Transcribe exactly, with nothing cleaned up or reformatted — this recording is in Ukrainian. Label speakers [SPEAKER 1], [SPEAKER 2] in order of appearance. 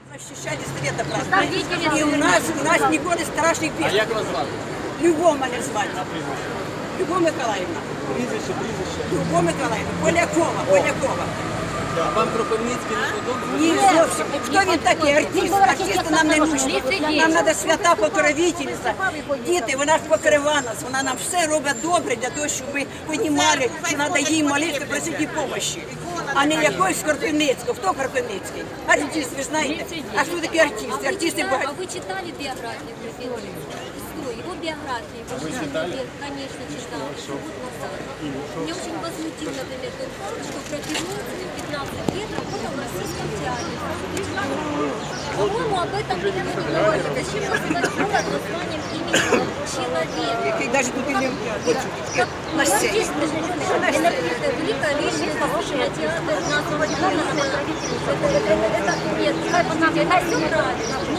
[SPEAKER 1] Защищали света просто. И у нас, у нас ніколи страшних
[SPEAKER 2] А
[SPEAKER 1] бед.
[SPEAKER 2] як вас звати?
[SPEAKER 1] Любов мене звати. Любов Миколаївна.
[SPEAKER 2] Прізвище, прізвище.
[SPEAKER 1] Любов Миколаївна. Полякова, Полякова.
[SPEAKER 2] А вам Кропивницький не подобається?
[SPEAKER 1] Ні, зовсім. Хто він такий? Артист. Артисти нам не нужні. Нам треба свята покровительниця. Діти, вона ж покрива нас. Вона нам все робить добре для того, щоб ми розуміли, що треба їй молитися, просити допомоги. А не якогось Кропивницького. Хто Кропивницький? Артист, ви знаєте. А що таке артист? Артисти
[SPEAKER 3] А
[SPEAKER 1] багато.
[SPEAKER 3] вы читали биографию Кропивницкого? Его биографию?
[SPEAKER 2] Вы читали?
[SPEAKER 3] Конечно, читала. Еще год назад. Меня очень возмутил, например, тот факт, что Кропивницкий в пятнадцать лет работал в российском театре. По-моему, об этом никто не говорит. Зачем называть город названием имени человека?
[SPEAKER 1] Який навіть тут і не
[SPEAKER 3] Как,
[SPEAKER 1] на
[SPEAKER 3] ну,
[SPEAKER 1] сцені.
[SPEAKER 3] здесь это великая личность, похожая на театр, на основании это, это, это, нет, как бы, это все правильно. Но